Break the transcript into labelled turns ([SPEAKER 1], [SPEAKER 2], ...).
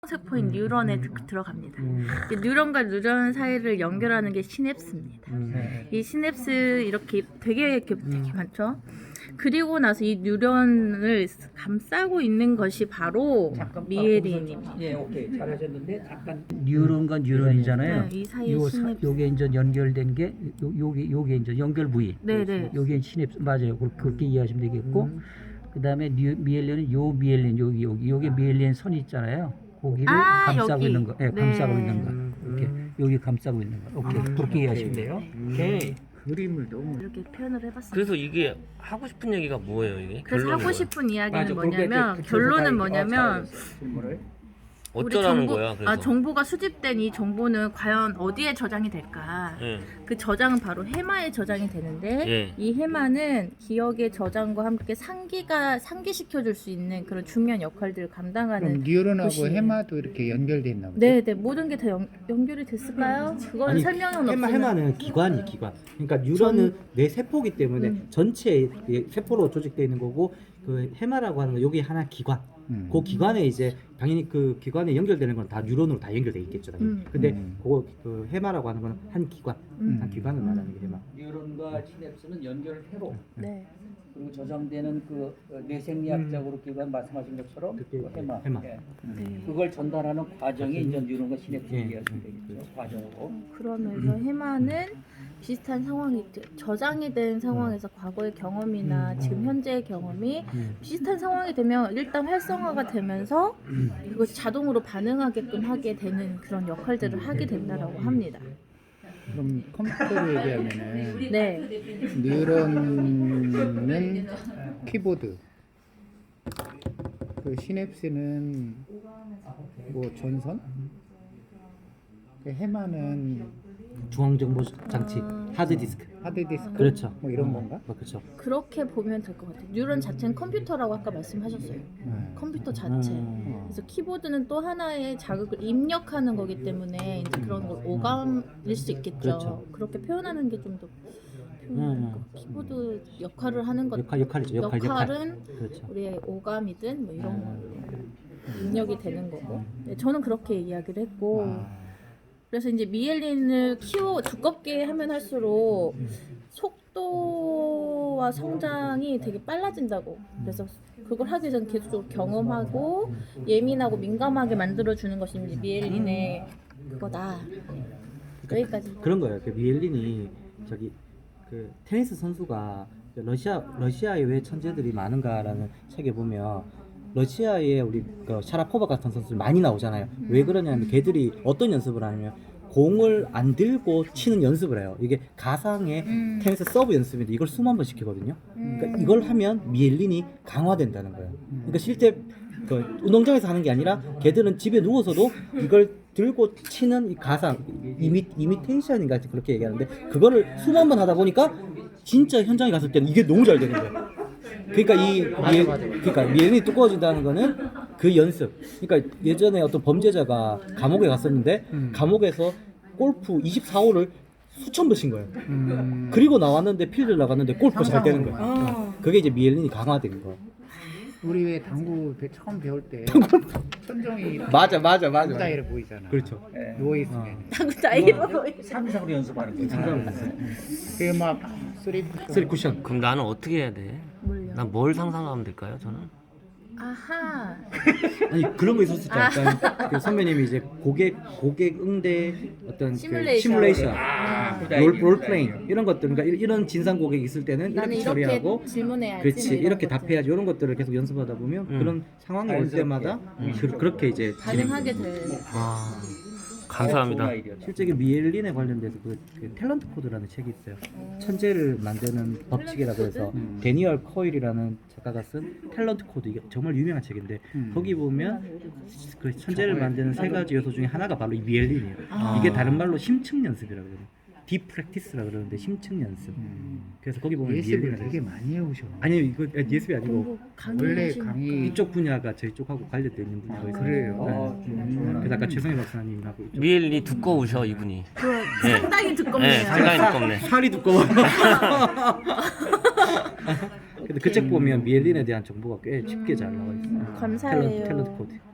[SPEAKER 1] 세포인 뉴런에 들어갑니다. 뉴런과 뉴런 사이를 연결하는 게 시냅스입니다. 이 시냅스 이렇게 되게 많죠. 그리고 나서 이 뉴런을 감싸고 있는 것이 바로 미에린입니다.
[SPEAKER 2] 예, 오케이. 잘하셨는데 잠깐
[SPEAKER 3] 뉴런과 뉴런이잖아요.
[SPEAKER 1] 네, 이 사이에 시냅스.
[SPEAKER 3] 요게 이제 연결된 게 요게 이제 연결 부위.
[SPEAKER 1] 네네.
[SPEAKER 3] 요게 시냅스 맞아요. 그렇게 이해하시면 되겠고. 그다음에 미엘린은 요 미엘린 요게 미엘린 선이 있잖아요. 거기를 감싸고
[SPEAKER 1] 여기.
[SPEAKER 3] 있는 거. 예,
[SPEAKER 1] 네.
[SPEAKER 3] 감싸고 있는 거. 이렇게 여기 감싸고 있는 거. 오케이. 그렇게 이해하시면 돼요.
[SPEAKER 2] 오케이. 그림을 너무
[SPEAKER 1] 이렇게 표현을 해봤습니다.
[SPEAKER 4] 그래서 이게 하고 싶은 얘기가 뭐예요, 이게?
[SPEAKER 1] 그래서
[SPEAKER 4] 결론은
[SPEAKER 1] 하고
[SPEAKER 4] 뭐예요?
[SPEAKER 1] 싶은 이야기는
[SPEAKER 2] 맞아,
[SPEAKER 1] 뭐냐면
[SPEAKER 2] 그렇게
[SPEAKER 1] 결론은 뭐냐면
[SPEAKER 2] 질문을
[SPEAKER 1] 우리
[SPEAKER 4] 어쩌라는 거야, 그래서?
[SPEAKER 1] 정보가 수집된 이 정보는 과연 어디에 저장이 될까?
[SPEAKER 4] 예.
[SPEAKER 1] 그 저장은 바로 해마에 저장이 되는데
[SPEAKER 4] 예.
[SPEAKER 1] 이 해마는 기억의 저장과 함께 상기시켜줄 수 있는 그런 중요한 역할들을 감당하는
[SPEAKER 5] 그럼 뉴런하고
[SPEAKER 1] 곳이에요.
[SPEAKER 5] 해마도 이렇게 연결돼 있나 보죠?
[SPEAKER 1] 네네 모든 게 다 연결이 됐을까요? 그거는 설명은 없지만
[SPEAKER 6] 해마는 기관이 기관. 그러니까 뉴런은 내 세포기 때문에 전체 세포로 조직되어 있는 거고 그 해마라고 하는 거 여기 하나 기관. 그 기관에 이제 당연히 그 기관에 연결되는 건 다 뉴런으로 다 연결돼 있겠죠. 당연히. 근데 그 해마라고 하는 건 한 기관, 한 기관을 말하는 게 해마.
[SPEAKER 2] 뉴런과 시냅스는 연결회로
[SPEAKER 1] 네.
[SPEAKER 2] 그리고 저장되는 그 뇌생리학적으로 기관 말씀하신 것처럼 그 해마.
[SPEAKER 6] 네.
[SPEAKER 1] 네.
[SPEAKER 2] 그걸 전달하는 과정이 이제 뉴런과 시냅스
[SPEAKER 6] 예.
[SPEAKER 2] 이해하시면 되겠죠. 과정으로.
[SPEAKER 1] 그러면서 해마는 비슷한 상황이 저장이 된 상황에서 과거의 경험이나 지금 현재의 경험이 비슷한 상황이 되면 일단 활성화가 되면서 그것이 자동으로 반응하게끔 하게 되는 그런 역할들을 하게 된다라고 합니다.
[SPEAKER 5] 그럼 컴퓨터로 얘기하면은
[SPEAKER 1] 네.
[SPEAKER 5] 뉴런은 키보드, 그 시냅스는 뭐 전선, 그 해마는
[SPEAKER 6] 중앙정보 장치, 하드디스크.
[SPEAKER 5] 하드디스크,
[SPEAKER 6] 그렇죠.
[SPEAKER 5] 뭐 이런 건가?
[SPEAKER 6] 그렇죠.
[SPEAKER 1] 그렇게 보면 될 것 같아요. 뉴런 자체는 컴퓨터라고 아까 말씀하셨어요. 컴퓨터 자체. 그래서 키보드는 또 하나의 자극을 입력하는 거기 때문에 이제 그런 걸 오감일 수 있겠죠.
[SPEAKER 6] 그렇죠.
[SPEAKER 1] 그렇게 표현하는 게 좀 더 키보드 역할을 하는 것
[SPEAKER 6] 역할이죠.
[SPEAKER 1] 역할은
[SPEAKER 6] 그렇죠.
[SPEAKER 1] 우리의 오감이든 뭐 이런 걸로 입력이 되는 거고. 네, 저는 그렇게 이야기를 했고 그래서 이제 미엘린을 두껍게 하면 할수록 속도와 성장이 되게 빨라진다고. 그래서 그걸 하기 전 계속적으로 경험하고 예민하고 민감하게 만들어주는 것이 이제 미엘린의 그거다. 여기까지.
[SPEAKER 6] 그런 거예요. 그 미엘린이 저기 그 테니스 선수가 러시아에 왜 천재들이 많은가라는 책에 보면 러시아에 우리 그 샤라포바 같은 선수들 많이 나오잖아요. 왜 그러냐면 걔들이 어떤 연습을 하냐면 공을 안 들고 치는 연습을 해요. 이게 가상의 테니스 서브 연습인데 이걸 수만 번 시키거든요. 그러니까 이걸 하면 미엘린이 강화된다는 거예요. 그러니까 실제 그 운동장에서 하는 게 아니라 걔들은 집에 누워서도 이걸 들고 치는 이 가상 이미테이션인가 그렇게 얘기하는데 그거를 수만 번 하다 보니까 진짜 현장에 갔을 때는 이게 너무 잘 되는 거예요. 그러니까 그러니까 미엘린이 두꺼워진다는 거는 그 연습. 그러니까 예전에 어떤 범죄자가 감옥에 갔었는데 감옥에서 골프 24홀을 수천 번 친 거예요. 그리고 나왔는데 필드를 나갔는데 골프가 잘 되는 거예요. 그게 이제 미엘린이 강화된 거.
[SPEAKER 5] 우리 왜 당구 처음 배울 때 천정이
[SPEAKER 6] 맞아.
[SPEAKER 5] 스타일을 보이잖아.
[SPEAKER 6] 그렇죠.
[SPEAKER 5] 누워 있으면.
[SPEAKER 1] 당구 나이로
[SPEAKER 2] 상상으로 연습하는 거죠.
[SPEAKER 5] 그게 막
[SPEAKER 6] 쓰리 쿠션.
[SPEAKER 4] 그럼 나는 어떻게 해야 돼?
[SPEAKER 1] 뭘요?
[SPEAKER 4] 난 뭘 상상하면 될까요, 저는?
[SPEAKER 1] 아하.
[SPEAKER 6] 아니 그런 거 있었었죠. 약간 그 선배님이 이제 고객 응대 어떤 그 시뮬레이션, 롤플레잉 이런 것들, 그러니까 이런 진상 고객이 있을 때는
[SPEAKER 1] 나는
[SPEAKER 6] 이렇게
[SPEAKER 1] 이렇게
[SPEAKER 6] 처리하고,
[SPEAKER 1] 질문해야지.
[SPEAKER 6] 그렇지
[SPEAKER 1] 뭐 이런
[SPEAKER 6] 이렇게
[SPEAKER 1] 것들.
[SPEAKER 6] 답해야지 이런 것들을 계속 연습하다 보면 그런 상황이 올 때마다 그렇게 이제
[SPEAKER 1] 반응하게 돼.
[SPEAKER 4] 아, 감사합니다.
[SPEAKER 6] 실제 미엘린에 관련돼서 그 탤런트 코드라는 책이 있어요. 천재를 만드는 법칙이라고 해서 데니얼 코일이라는 작가가 쓴 탤런트 코드, 이게 정말 유명한 책인데 거기 보면 그 천재를 만드는 세 가지 요소 중에 하나가 바로 이 미엘린이에요. 이게 다른 말로 심층 연습이라고 그래요. 딥 프랙티스라고 그러는데 심층 연습. 그래서 거기 보면
[SPEAKER 5] 예습을
[SPEAKER 6] 미엘린이
[SPEAKER 5] 되게 많이 해오셔.
[SPEAKER 6] 아니 이거 예습이 아니고
[SPEAKER 5] 원래
[SPEAKER 1] 강의
[SPEAKER 5] 강의
[SPEAKER 6] 이쪽 분야가 저희 쪽하고 관련돼 있는 분야가 있어요.
[SPEAKER 5] 그래요?
[SPEAKER 6] 그래서 아까 최성희 박사님하고 이쪽.
[SPEAKER 4] 미엘린이 두꺼우셔, 이분이.
[SPEAKER 1] 상당히 두껍네요.
[SPEAKER 4] 네, 상당히 두껍네.
[SPEAKER 6] 살이 두꺼워. 근데 그 책 보면 미엘린에 대한 정보가 꽤 쉽게 잘 나와 있어요.
[SPEAKER 1] 감사해요.
[SPEAKER 6] 탤런트 코드.